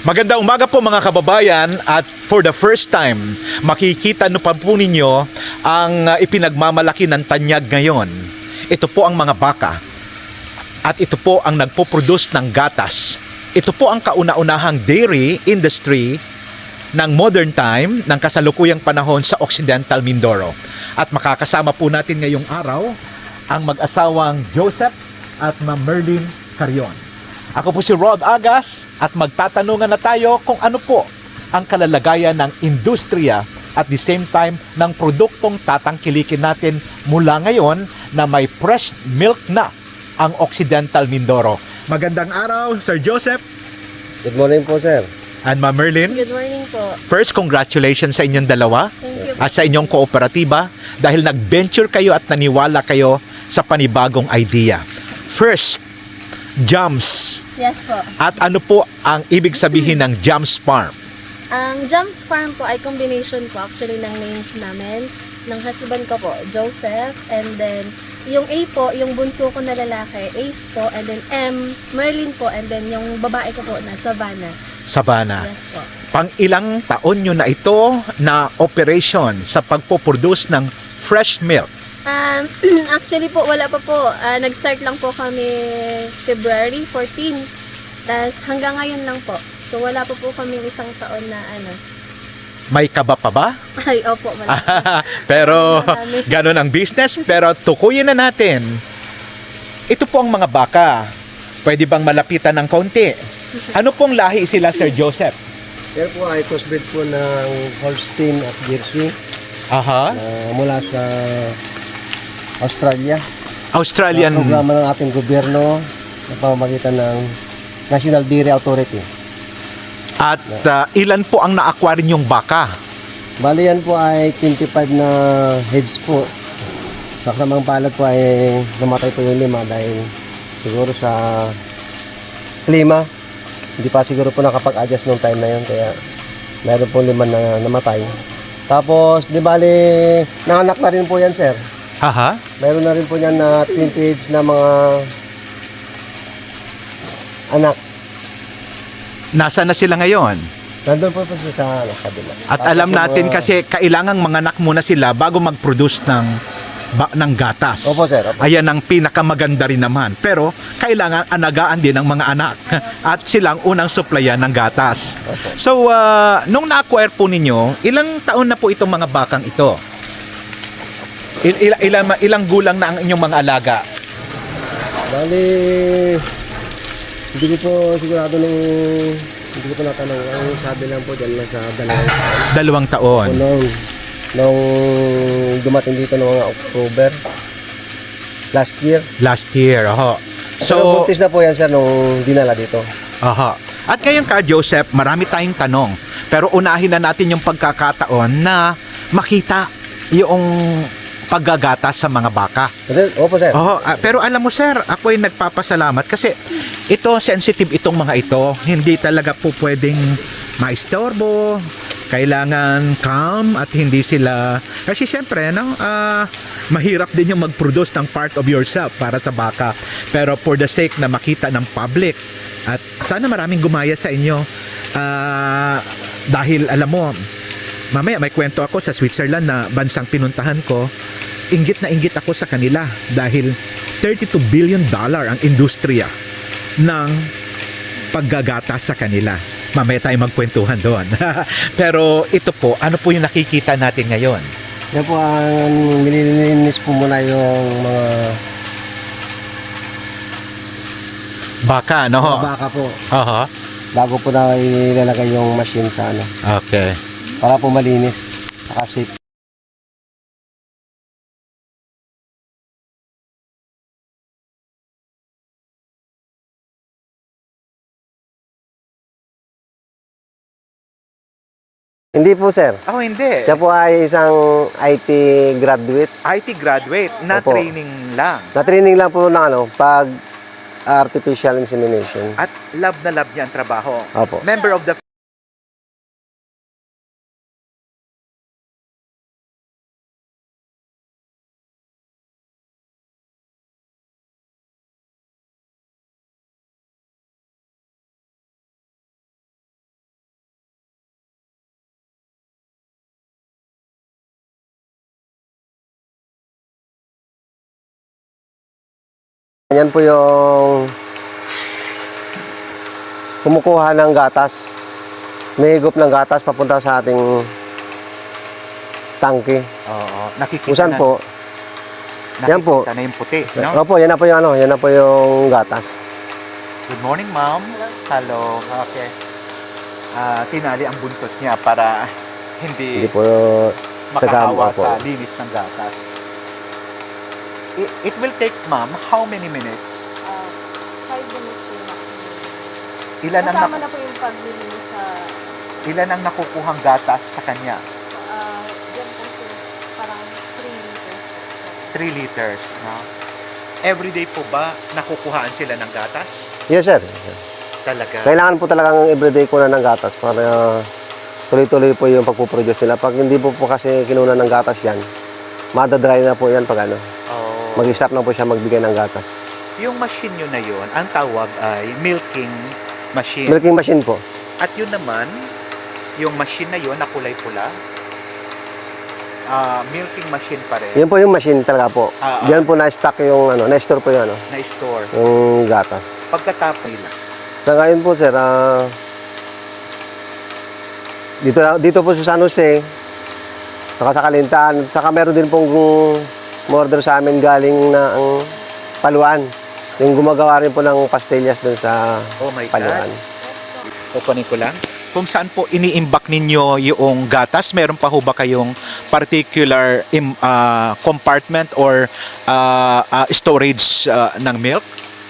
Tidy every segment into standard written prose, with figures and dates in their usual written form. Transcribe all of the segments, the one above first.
Magandang umaga po mga kababayan, at for the first time makikita no pa po ninyo ang ipinagmamalaki ng Tanyag ngayon. Ito po ang mga baka at ito po ang nagpo-produce ng gatas. Ito po ang kauna-unahang dairy industry ng modern time ng kasalukuyang panahon sa Occidental Mindoro. At makakasama po natin ngayong araw ang mag-asawang Joseph at Ma'am Merlin Carion. Ako po si Rod Agas at magtatanungan na tayo kung ano po ang kalalagayan ng industriya at the same time ng produktong tatangkilikin natin mula ngayon na may fresh milk na ang Occidental Mindoro. Magandang araw, Sir Joseph. Good morning po, sir. And Ma'am Merlin. Good morning po. First, congratulations sa inyong dalawa. Thank you. At sa inyong kooperatiba dahil nag-venture kayo at naniwala kayo sa panibagong idea. First, Jams. Yes po. At ano po ang ibig sabihin ng Jams Farm? Ang Jams Farm po ay combination po actually ng names namin. Ng husband ko po, Joseph. And then, yung A po, yung bunso ko na lalaki, Ace po. And then M, Merlin po. And then yung babae ko po na Savannah. Savannah. Yes po. Pang ilang taon nyo na ito na operation sa pagpo-produce ng fresh milk? Actually po, wala pa po. Nag-start lang po kami February 14. Tapos hanggang ngayon lang po. So wala pa po kami isang taon na ano. May kaba pa ba? Ay, opo. Wala po. Pero Marami. ganun ang business. Pero tukuyin na natin. Ito po ang mga baka. Pwede bang malapitan ng kaunti? Ano pong lahi sila, Sir Joseph? Yan po ay crossbreed po ng Holstein at Jersey Aha. mula sa Australia. Australian. Programa ng ating gobyerno na pamamagitan ng National Dairy Authority. At ilan po ang na-acquire yung baka? Bali yan po ay 25 na heads po. Sa kasamang palad po ay namatay po yung 5 dahil siguro sa klima. Hindi pa siguro po nakapag-adjust nung time na yun, kaya meron po 5 na namatay. Tapos, di bali, nanganak na rin po yan, sir. Aha. Meron na rin po yan na 20 heads na mga anak. Nasaan na sila ngayon? Nandun po sa kabila. At Tapos alam yung natin mga- kasi kailangang manganak muna sila bago mag-produce ng gatas. Opo, sir. Opo. Ayan ang pinakamaganda rin naman. Pero kailangan anagaan din ng mga anak at silang unang supplyan ng gatas. Opo. So, nung na-acquire po ninyo, ilang taon na po itong mga bakang ito? Ilang gulang na ang inyong mga alaga? Bali, hindi ko po sigurado hindi ko po natanong. Ang sabi lang po dyan nasa 2 2 taon. nung dumating dito noong October last year. Last year, oho. So, So, buntis na po yan, sir, nung dinala dito. aha. At ngayon ka, Joseph, marami tayong tanong. Pero unahin na natin yung pagkakataon na makita yung paggagata sa mga baka. Opo, sir. Oo, pero alam mo, sir, ako ay nagpapasalamat kasi ito, sensitive itong mga ito. Hindi talaga po pwedeng maistorbo. Kailangan calm at hindi sila... Kasi siyempre, no, mahirap din yung mag-produce ng part of yourself para sa baka. Pero for the sake na makita ng public, at sana maraming gumaya sa inyo. Dahil alam mo, mamaya may kwento ako sa Switzerland na bansang pinuntahan ko. Inggit na inggit ako sa kanila dahil $32 billion ang industriya ng paggagata sa kanila. Mamaya tayo magkwentuhan doon. Pero ito po, ano po yung nakikita natin ngayon? Yan po ang nililinis po muna yung mga Baka, no? mga baka po. Aha. Bago po na ilalagay yung machine sa ano. Okay. Para po malinis. Saka safe. Hindi po, sir. Oh, hindi. Siya po ay isang IT graduate. IT graduate, na Opo. training lang. Na-training lang po ng ano, pag artificial insemination. At love na love niya ang trabaho. Opo. Member of the Yan po yung kumukuha ng gatas. May higop ng gatas papunta sa ating tangke. Oo. Nakikita Kung saan na, po, yan po. nakikita na yung puti, no? Opo, yan na po yung yan na po yung gatas. Good morning, ma'am. Hello. Okay. Tinali ang buntot niya para hindi Hindi po sa gamo makahawa po. sa linis ng gatas. It will take, ma'am, how many minutes? 5 minutes po maximum. Ilan ang, Kasama na po yung paglilinis sa ilan ang nakukuhang gatas sa kanya? yan po sir, parang 3 liters. 3 liters, no? Everyday po ba nakukuhaan sila ng gatas? Yes, sir. Talaga. Kailangan po talagang everyday kunan ng gatas para tuloy-tuloy po yung pagpuproduce nila. Pag hindi po kasi kinunan ng gatas yan, madadry na po yan pag ano. Oh. Mag-stop na po siya magbigay ng gatas. Yung machine nyo na yun, ang tawag ay milking machine. Milking machine po. At yun naman, yung machine na yun na kulay pula, milking machine pa rin, Yun po yung machine talaga po. Diyan po na-stock yung ano, na-store po yung ano, na-store. yung gatas. Pagkatapos nila, Sa ngayon po sir, dito po sa San Jose, saka sa Kalintaan, saka meron din pong order sa amin galing na ang Paluan. Yung gumagawa rin po ng pastillas dun sa oh my Paluan. God, kukunin ko lang. Kung saan po iniimbak ninyo yung gatas, meron pa ho ba kayong particular compartment or storage ng milk?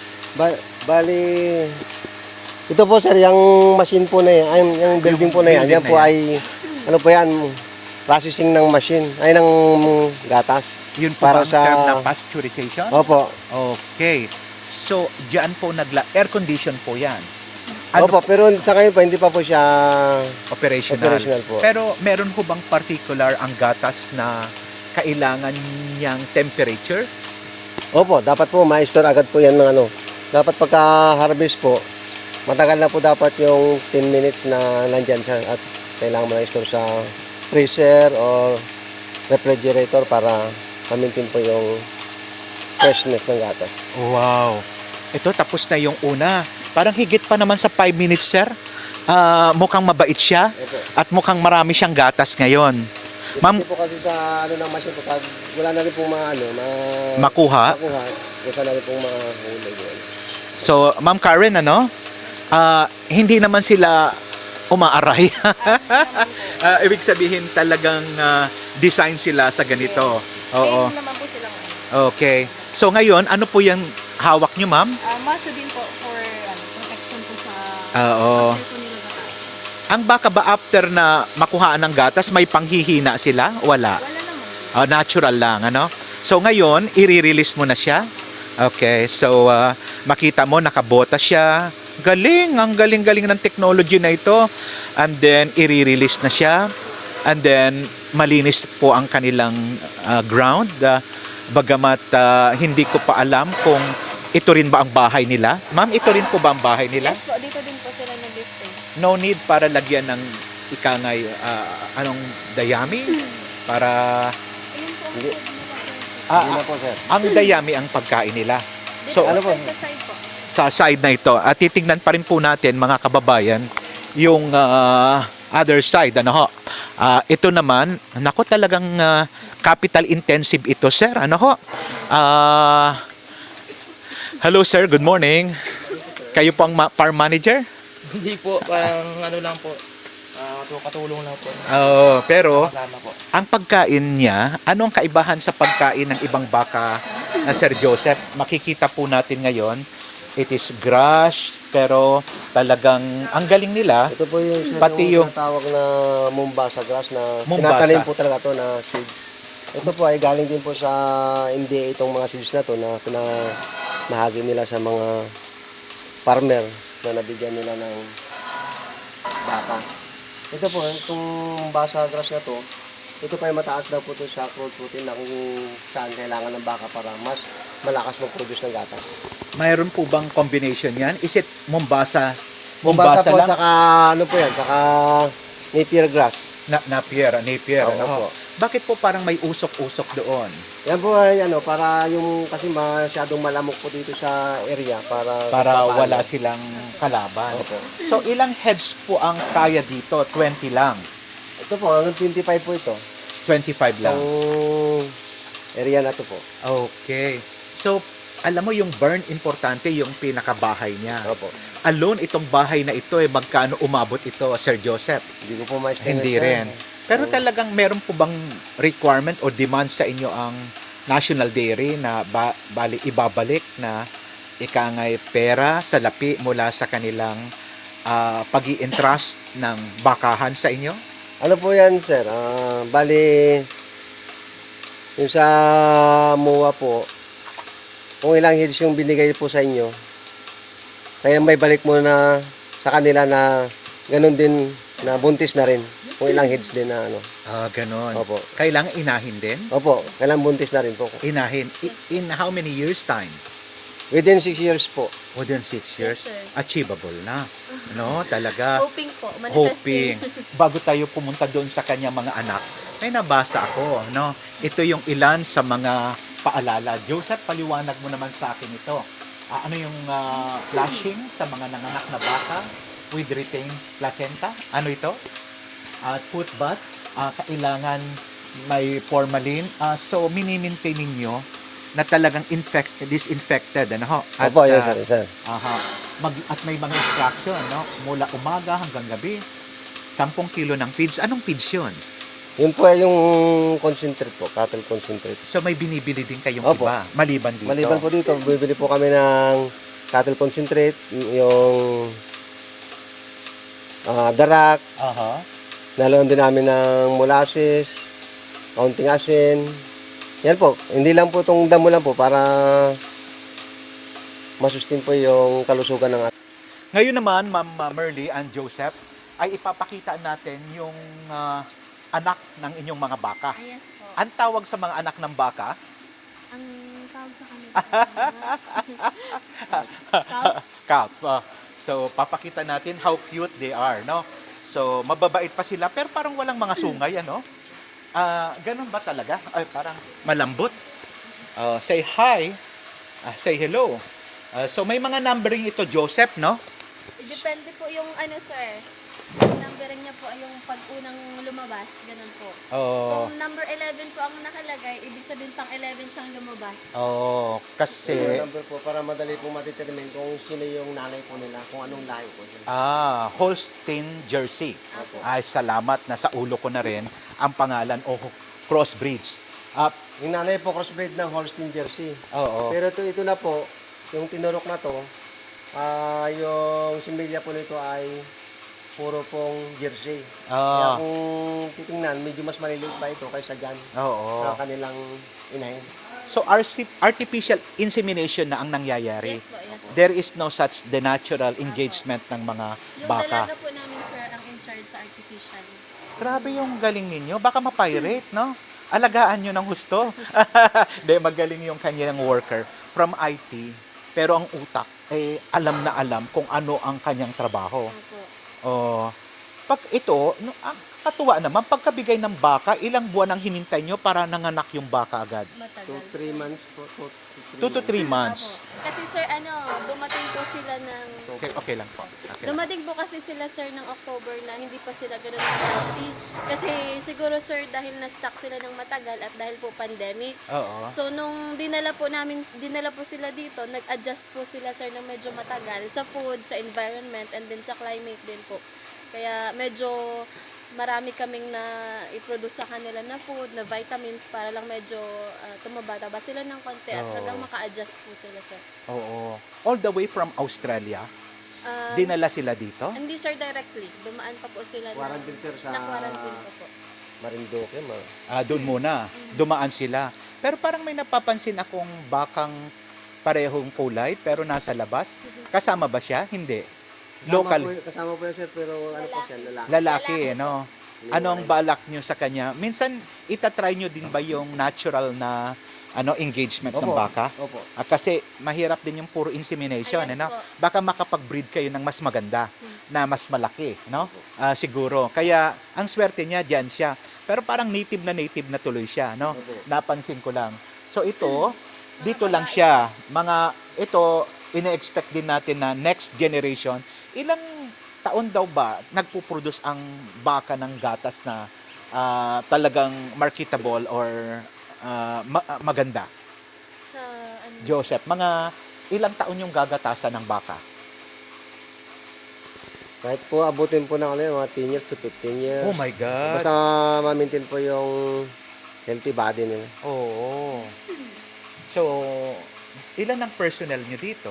Bali, ito po sir, yung machine po na yan, yung building po na yan, building yan po na ay, ano po yan, processing ng machine, ay ng gatas. Yun po Para ba ang sa- term na pasteurization? Opo, Okay. So, diyan po air condition po yan. opo, pero sa ngayon po, hindi pa po siya Operational. operational po. Pero meron ho bang particular ang gatas na kailangan niyang temperature? Opo, dapat po ma-store agad po yan ng ano. Dapat pagka-harvest po, matagal na po dapat yung 10 minutes na nandyan siya at kailangan mo na i-store sa freezer or refrigerator para ma-maintain po yung freshness ng gatas. Wow. Ito, tapos na yung una. Parang higit pa naman sa 5 minutes, sir. Mukhang mabait siya Opo. at mukhang marami siyang gatas ngayon. Ma'am, Depende po kasi sa ano ng machine po, pag wala na rin pong makuha. makuha, wala na rin pong mahuli yun. So, Ma'am Karen, hindi naman sila umaaray. Ibig sabihin talagang design sila sa ganito. Oo. Same naman po silang Okay. So ngayon, ano po yung hawak nyo, ma'am? maso din po for protection po sa Oo. after po nila gatas. Ang baka ba after na makuhaan ng gatas, may panghihina sila? Wala. Wala naman. Natural lang, ano? So ngayon, i-release mo na siya. Okay, so makita mo, nakabota siya. Galing, ang galing-galing ng technology na ito. And then, i-release na siya. And then, malinis po ang kanilang ground. Bagamat hindi ko pa alam kung ito rin ba ang bahay nila. Ma'am, ito rin po ba ang bahay nila? Yes po, dito din po sila nag-stay. No need para lagyan ng ikangay, anong dayami? Para, Ayun po ang Hindi. food nila po. Hindi na po sir. ang dayami ang pagkain nila. Dito So, po, ano po? sa side po. Sa side na ito, at titignan pa rin po natin mga kababayan, yung other side, ano ho. Ito naman, nako talagang capital intensive ito, sir. Ano ho? Hello sir, good morning. Kayo po ang farm manager? Hindi po, parang ano lang po, katulong lang po. Pero Kasama po. ang pagkain niya, ano ang kaibahan sa pagkain ng ibang baka na Sir Joseph? Makikita po natin ngayon, it is grass, pero talagang ang galing nila. Ito po yung sir, Pati yung- tawag na Mombasa grass na Mombasa. tinatanim po talaga to na seeds. Ito po ay galing din po sa India itong mga seeds na to na pinamahagi nila sa mga farmer na nabigyan nila ng baka. Ito po, itong Mombasa grass na to, ito pa ay mataas daw po to sa crude protein na kung saan kailangan ng baka para mas malakas mag-produce ng gatas. Mayroon po bang combination yan? Is it Mombasa? Mombasa po, lang? saka ano po yan, saka Napier grass. Napier, Oo, ano ho? opo. Bakit po parang may usok-usok doon? Yan po ay ano, para yung kasi masyadong malamok po dito sa area para Para papalo. wala silang kalaban. Opo. So ilang heads po ang kaya dito? 20 lang. Ito po, hanggang 25 po ito. 25 lang. Itong area na to po. Okay. So, alam mo yung burn, importante yung pinakabahay niya. Opo. Alone, itong bahay na ito, magkano umabot ito, Sir Joseph? Hindi ko po ma-estimate. Hindi sir. rin. Pero talagang meron po bang requirement o demand sa inyo ang National Dairy na bali ibabalik na ikangay pera sa lapi mula sa kanilang pag-i-entrust ng bakahan sa inyo? Ano po yan, sir? Bali, yung sa MUA po, kung ilang heads yung binigay po sa inyo, kaya may balik mo na sa kanila na ganun din, na buntis na rin. Kung ilang heads din na ano. Ganon. Opo. Kailangan inahin din? Opo, kailang buntis na rin po. Inahin. In how many years time? Within 6 years po. Within 6 years? sir. Achievable na. No, talaga. Hoping po, manifesting. Hoping. Bago tayo pumunta doon sa kanyang mga anak, may nabasa ako, no? Ito yung ilan sa mga paalala. Joseph, paliwanag mo naman sa akin ito. Ano yung flashing sa mga nanganak na baka with retained placenta? Ano ito? Foot bath. Kailangan may formalin. So, minimaintain ninyo na talagang disinfected, ano ho? At, Opo, yes, sir. Sir. at may mga instruction, no? Mula umaga hanggang gabi. 10 kilo ng feeds. Anong feeds yun? Yun po ay yung concentrate po, cattle concentrate. So may binibili din kayong Opo. iba, maliban dito. Maliban po dito, bibili po kami ng cattle concentrate, yung darak, Aha. naloon din namin ng molasses, kaunting asin. Yan po, hindi lang po itong damo lang po para masustain po yung kalusugan ng ating. Ngayon naman, Ma'am Merly and Joseph, ay ipapakita natin yung anak ng inyong mga baka. Yes po. Ang tawag sa mga anak ng baka? Ang tawag sa kanila. Calf. So, papakita natin how cute they are, no? So, mababait pa sila, pero parang walang mga sungay, ano? Ganun ba talaga? Ay, parang malambot. Say hi. Say hello. So, may mga numbering ito, Joseph, no? Depende po yung ano sir. Yung numbering niya po ay yung pag-unang lumabas. Ganun po. Oh, Kung number 11 po ang nakalagay, ibig sabihin pang 11 siyang lumabas. oh, Yung kasi... number po para madali po matedetermine kung sino yung nanay po nila, kung anong lahi po sila. Holstein Jersey. Opo. Ay, salamat. Nasa ulo ko na rin ang pangalan o crossbreeds. Yung nanay po crossbreed ng Holstein Jersey. Oo. Pero ito na po, yung tinurok na to, yung similya po nito ay puro pong Jersey. Kaya Ah, kung titingnan, medyo mas maliliit pa ito kaysa dyan oo. sa kanilang inahin. So, artificial insemination na ang nangyayari. Yes po, yes po. There is no such the natural engagement ng mga Yung baka. dalaga po namin sir ang in charge sa artificial. Grabe yung galing ninyo. Baka mapirate, no? Alagaan nyo ng husto. Hindi, magaling yung kanyang worker from IT. Pero ang utak, alam na alam kung ano ang kanyang trabaho. Opo. Oh, pag ito, ang katuwa naman, pagkabigay ng baka, ilang buwan ang hinintay nyo para nanganak yung baka agad? 2 Matagal. 3 months po. 2 to 3 months. Opo. Kasi sir, dumating po sila ng... Okay lang po. Okay lang. Dumating po kasi sila sir ng October na hindi pa sila ganun healthy. Kasi siguro sir dahil na-stuck sila ng matagal at dahil po pandemic. Oo. So nung dinala po sila dito, nag-adjust po sila sir ng medyo matagal sa food, sa environment, and then sa climate din po. Kaya medyo marami kaming na i-produce sa kanila na food, na vitamins para lang medyo tumaba-taba sila ng konti at Oo. hanggang maka-adjust po sila sir. Oo. All the way from Australia, Ah, dinala sila dito? hindi sir directly, dumaan pa po sila Quarantine sir sa na quarantine pa po. Marinduque. Doon muna. Dumaan sila. Pero parang may napapansin akong bakang parehong kulay pero nasa labas. Kasama ba siya? Hindi. Local. Kasama po yan sir, pero ano po siya, lalaki. Lalaki, no? Ano ang balak nyo sa kanya? Minsan, itatry nyo din ba yung natural na engagement ng Opo. baka? Opo. Kasi mahirap din yung puro insemination, Yes ano? po. Baka makapag-breed kayo ng mas maganda, na mas malaki, no? Siguro. Kaya ang swerte niya diyan siya. Pero parang native na tuloy siya, no? Opo. Napansin ko lang. So ito, dito lang siya. Ito, ine-expect din natin na next generation, ilang taon daw ba nagpo-produce ang baka ng gatas na talagang marketable or maganda? Sa ano, Joseph, mga ilang taon yung gagatasan ng baka? Kahit po abutin po ng mga 10 years to 15 years. Oh my God. Basta ma-maintain po yung healthy body nila. Oo. So, ilan ang personnel nyo dito?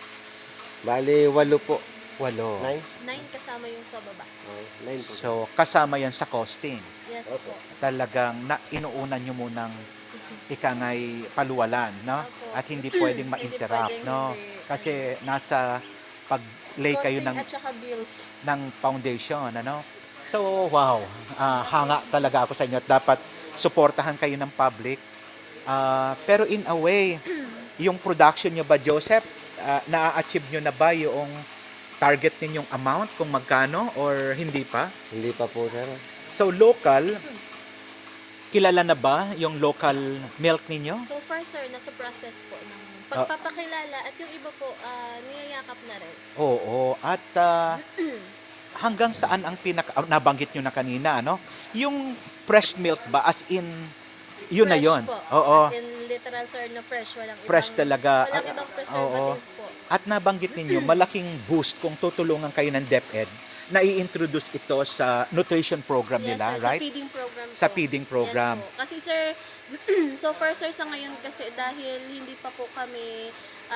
Bali, 8 po. 8. 9? 9 kasama yung sa baba. 9 po. So, kasama yan sa costing. Yes Opo. po. Talagang inuunan nyo munang ikangay paluwalan, no? Opo. At hindi pwedeng Hindi ma-interrupt, pwedeng no? hindi. Kasi nasa pag-lay kayo Costing ng at saka bills. foundation, ano? So, wow. Hanga talaga ako sa inyo at dapat suportahan kayo ng public. Pero in a way, yung production nyo ba, Joseph, na-achieve nyo na ba yung target ninyong amount kung magkano or hindi pa? Hindi pa po, sir. So, local, kilala na ba yung local milk ninyo? So far sir, nasa process po ng pagpapakilala at yung iba po niyayakap na rin. Oo. At hanggang saan ang nabanggit nyo na kanina, ano? Yung fresh milk ba? As in, yun na Fresh yun. po. Oo. As in literal sir na fresh. Walang Fresh ibang, talaga. Walang ibang preservative po. At nabanggit ninyo, malaking boost kung tutulungan kayo ng DepEd na i-introduce ito sa nutrition program Yes, nila, sir, right? Sa feeding program Sa po. feeding program. Yes po. Kasi sir, so far sir sa ngayon kasi dahil hindi pa po kami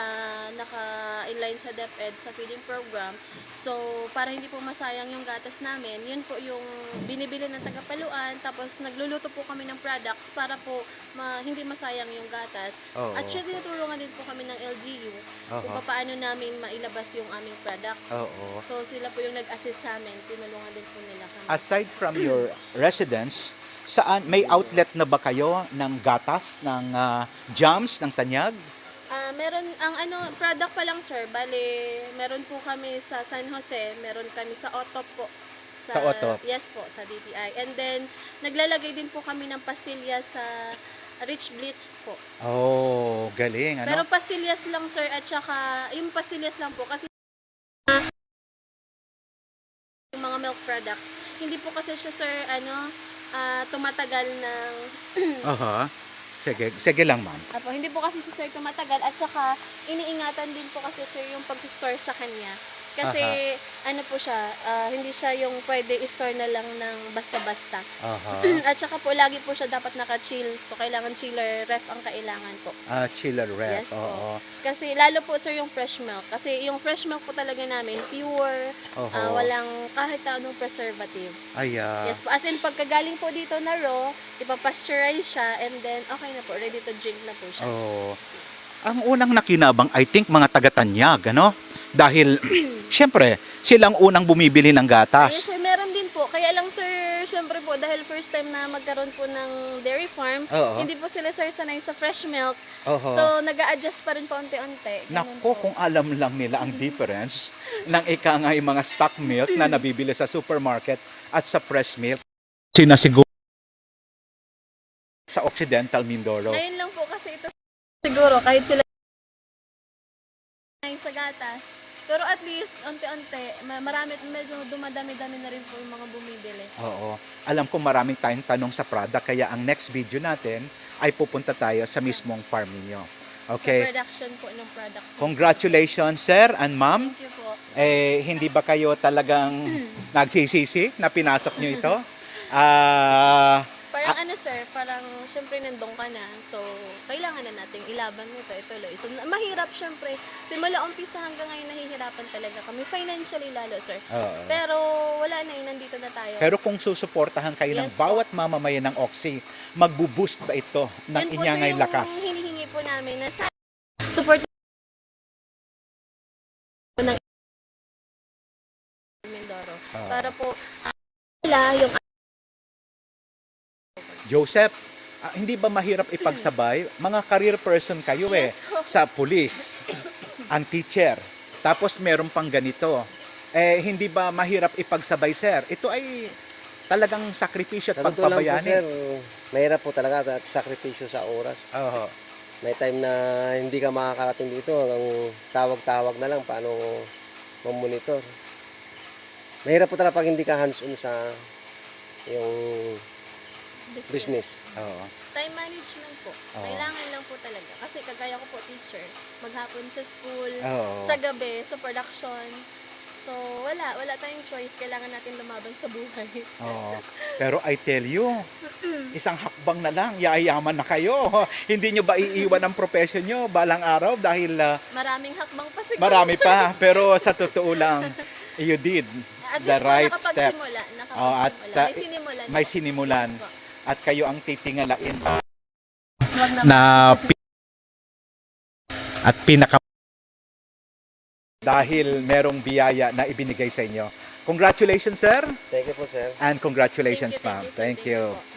naka-inline sa DepEd sa feeding program. So, para hindi po masayang yung gatas namin, yun po yung binibili ng tagapaluan, tapos nagluluto po kami ng products para po hindi masayang yung gatas. Oo. At syempre, tinutulungan din po kami ng LGU kung Oo. paano namin mailabas yung aming product. Oo. So, sila po yung nag-assist sa amin, tinulungan din po nila kami. Aside from your residence, saan may outlet na ba kayo ng gatas, ng jams, ng tanyag? Meron ang product pa lang sir, bali meron po kami sa San Jose, meron kami sa Otop po. Sa Otop? Yes po, sa DTI. And then naglalagay din po kami ng pastillas sa Rich Blitz po. Oh, galing, ano? Pero pastillas lang sir at saka yung pastillas lang po kasi yung mga milk products, hindi po kasi siya sir tumatagal ng Aha. Sige lang, ma'am. Apo, hindi po kasi siya sir tumatagal at saka iniingatan din po kasi sir yung pag-store sa kanya. Kasi ano po siya, hindi siya yung pwede i-store na lang ng basta-basta. Aha. At saka po lagi po siya dapat naka-chill. So kailangan chiller ref ang kailangan po. Chiller ref. Yes po. Oo. Kasi lalo po sir yung fresh milk. Kasi yung fresh milk po talaga namin pure, Oho. walang kahit anong preservative. Ayan. Yes po. As in pagkagaling po dito na raw, ipapasteurize siya and then okay na po, ready to drink na po siya. Oh. Ang unang nakinabang, I think, mga taga-Tanyag, ano? Dahil, syempre, silang unang bumibili ng Yes gatas. sir, meron din po. Kaya lang sir, syempre po, dahil first time na magkaroon po ng dairy farm, Oo. hindi po sila sir sanay sa fresh milk. Oho. So, nag-a-adjust pa rin po unti-unti. Ganun Nako, po. kung alam lang nila ang difference ng ikangay mga stock milk na nabibili sa supermarket at sa fresh milk. Sinasiguro sa Occidental Mindoro. Ngayon lang po kasi ito siguro, kahit sila sa gatas. Pero at least, unti-unti, medyo dumadami-dami na rin po yung mga bumibili. Oo. Alam ko maraming tayong tanong sa product, kaya ang next video natin ay pupunta tayo sa mismong farm ninyo. Sa Okay? production po ng products. Congratulations, sir and ma'am. Thank you po. Hindi ba kayo talagang nagsisisi na pinasok nyo ito? Parang sir, parang syempre nandun ka na. So, kailangan na nating ilaban mo ito, ituloy. So, mahirap syempre. Simula umpisa hanggang ngayon nahihirapan talaga kami. Financially lalo, sir. Oo. Pero wala na, nandito na tayo. Pero kung susuportahan kayo ng Yes po. bawat mamamayan ng Oxy, magbo-boost ba ito ng Yun po, inyangay sir, yung lakas? hinihingi po namin na support ng Mindoro. Para po, wala yung Joseph, Hindi ba mahirap ipagsabay? Mga career person kayo Yes po. sa pulis, ang teacher, tapos meron pang ganito. Hindi ba mahirap ipagsabay, sir? Ito ay talagang sakripisyo at Sa totoo lang po, pagpabayani. sir, mahirap po talaga at sakripisyo sa oras. Oo. May time na hindi ka makakarating dito, hanggang tawag-tawag na lang paano mamonitor. Mahirap po talaga pag hindi ka hands-on sa yung business. Oo. Time management po. Oo. Kailangan lang po talaga. Kasi kagaya ko po teacher, maghapon sa school, Oo. sa gabi, sa production. So, wala tayong choice. Kailangan natin lumaban sa buhay. Oo. Pero I tell you, isang hakbang na lang, yayaman na kayo. Hindi nyo ba iiwan ang profession nyo balang araw dahil Maraming hakbang pa siguro. marami sir. pa. Pero sa totoo lang, you did At the least right po, step. nakapagsimula. Oh, at, May sinimulan. may sinimulan. Yes po. At kayo ang titingalain Huwag na na at pinaka dahil merong biyaya na ibinigay sa inyo. Congratulations, sir, Thank you po, sir. and congratulations, Thank you, ma'am. sir. Thank you. po.